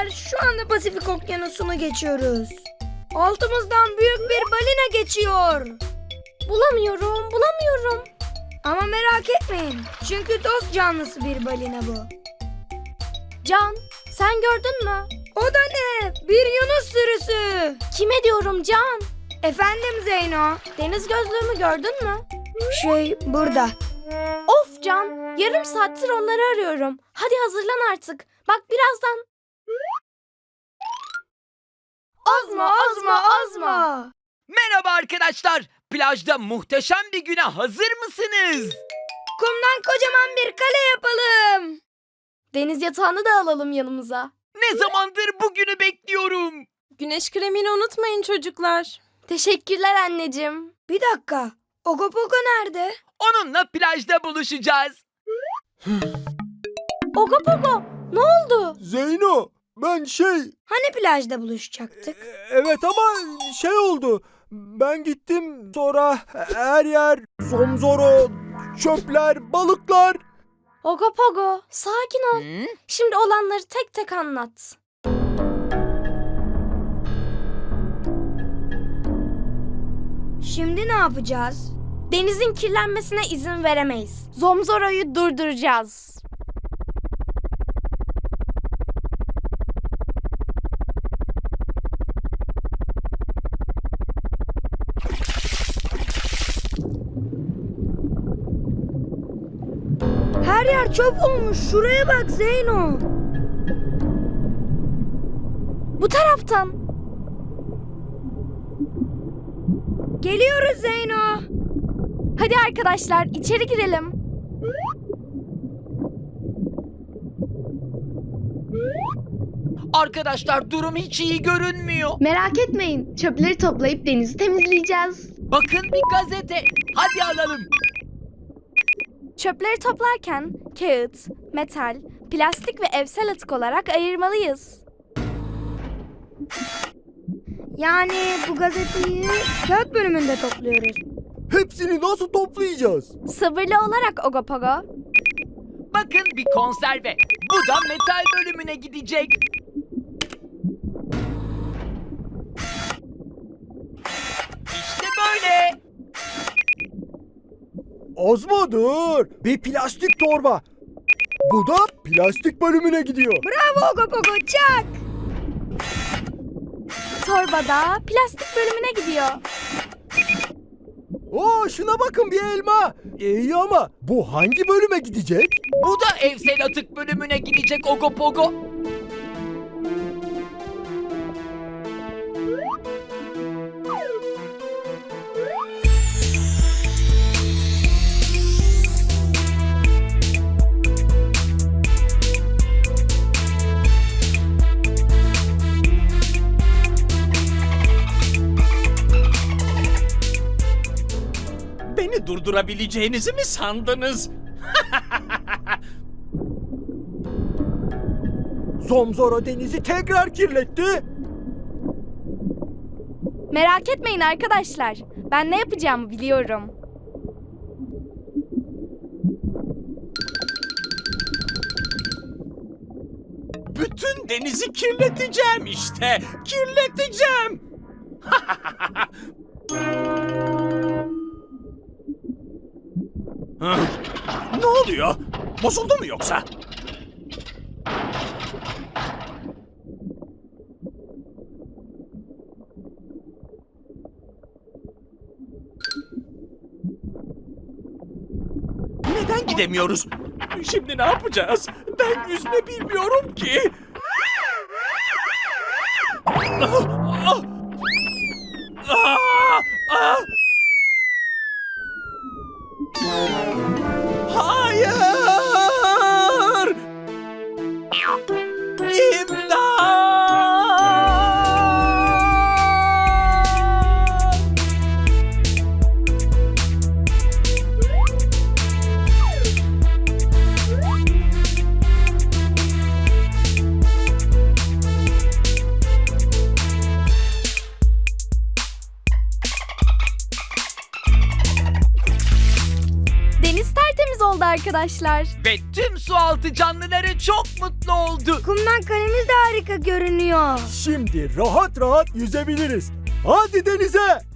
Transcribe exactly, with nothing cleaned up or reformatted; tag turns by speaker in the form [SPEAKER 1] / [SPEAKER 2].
[SPEAKER 1] arkadaşlar, şu anda Pasifik Okyanusu'nu geçiyoruz. Altımızdan büyük bir balina geçiyor.
[SPEAKER 2] Bulamıyorum, bulamıyorum.
[SPEAKER 1] Ama merak etmeyin, çünkü dost canlısı bir balina bu.
[SPEAKER 2] Can, sen gördün mü?
[SPEAKER 1] O da ne? Bir yunus sürüsü.
[SPEAKER 2] Kime diyorum Can?
[SPEAKER 1] Efendim Zeyno?
[SPEAKER 2] Deniz gözlüğümü gördün mü?
[SPEAKER 1] Şey, burada.
[SPEAKER 2] Of Can, yarım saattir onları arıyorum. Hadi hazırlan artık. Bak birazdan.
[SPEAKER 1] Azma, azma, azma.
[SPEAKER 3] Merhaba arkadaşlar. Plajda muhteşem bir güne hazır mısınız?
[SPEAKER 1] Kumdan kocaman bir kale yapalım.
[SPEAKER 2] Deniz yatağını da alalım yanımıza.
[SPEAKER 3] Ne zamandır bu günü bekliyorum.
[SPEAKER 4] Güneş kremini unutmayın çocuklar.
[SPEAKER 2] Teşekkürler anneciğim.
[SPEAKER 1] Bir dakika, Ogopogo nerede?
[SPEAKER 3] Onunla plajda buluşacağız.
[SPEAKER 2] Ogopogo, ne oldu?
[SPEAKER 5] Zeyno, ben şey...
[SPEAKER 1] Hani plajda buluşacaktık?
[SPEAKER 5] Evet ama şey oldu. Ben gittim, sonra her yer zomzoro, çöpler, balıklar.
[SPEAKER 2] Ogopogo, sakin ol.
[SPEAKER 3] Hı?
[SPEAKER 2] Şimdi olanları tek tek anlat.
[SPEAKER 1] Şimdi ne yapacağız?
[SPEAKER 2] Denizin kirlenmesine izin veremeyiz. Zomzoro'yu durduracağız.
[SPEAKER 1] Her yer çöp olmuş. Şuraya bak Zeyno.
[SPEAKER 2] Bu taraftan.
[SPEAKER 1] Geliyoruz Zeyno.
[SPEAKER 2] Hadi arkadaşlar içeri girelim.
[SPEAKER 3] Arkadaşlar durum hiç iyi görünmüyor.
[SPEAKER 6] Merak etmeyin. Çöpleri toplayıp denizi temizleyeceğiz.
[SPEAKER 3] Bakın bir gazete. Hadi alalım.
[SPEAKER 2] Çöpleri toplarken kağıt, metal, plastik ve evsel atık olarak ayırmalıyız.
[SPEAKER 1] Yani bu gazeteyi kağıt bölümünde topluyoruz.
[SPEAKER 5] Hepsini nasıl toplayacağız?
[SPEAKER 2] Sabırlı olarak Ogopogo.
[SPEAKER 3] Bakın bir konserve. Bu da metal bölümüne gidecek. İşte böyle.
[SPEAKER 5] Azma dur. Bir plastik torba. Bu da plastik bölümüne gidiyor.
[SPEAKER 1] Bravo Ogopogo, çak.
[SPEAKER 2] Torbada plastik bölümüne gidiyor.
[SPEAKER 5] Oo, şuna bakın, bir elma. İyi ama bu hangi bölüme gidecek?
[SPEAKER 3] Bu da evsel atık bölümüne gidecek Ogopogo.
[SPEAKER 7] Beni durdurabileceğinizi mi sandınız?
[SPEAKER 5] Zomzoro denizi tekrar kirletti.
[SPEAKER 2] Merak etmeyin arkadaşlar. Ben ne yapacağımı biliyorum.
[SPEAKER 7] Bütün denizi kirleteceğim işte. Kirleteceğim. Hı? Ne oluyor? Bozuldu mu yoksa? Neden gidemiyoruz? Şimdi ne yapacağız? Ben yüzme bilmiyorum ki. Ah, ah. Ah, ah. Hayır! İmdat!
[SPEAKER 2] arkadaşlar.
[SPEAKER 3] Ve tüm sualtı canlıları çok mutlu oldu.
[SPEAKER 1] Kumdan kalemiz de harika görünüyor.
[SPEAKER 5] Şimdi rahat rahat yüzebiliriz. Hadi denize.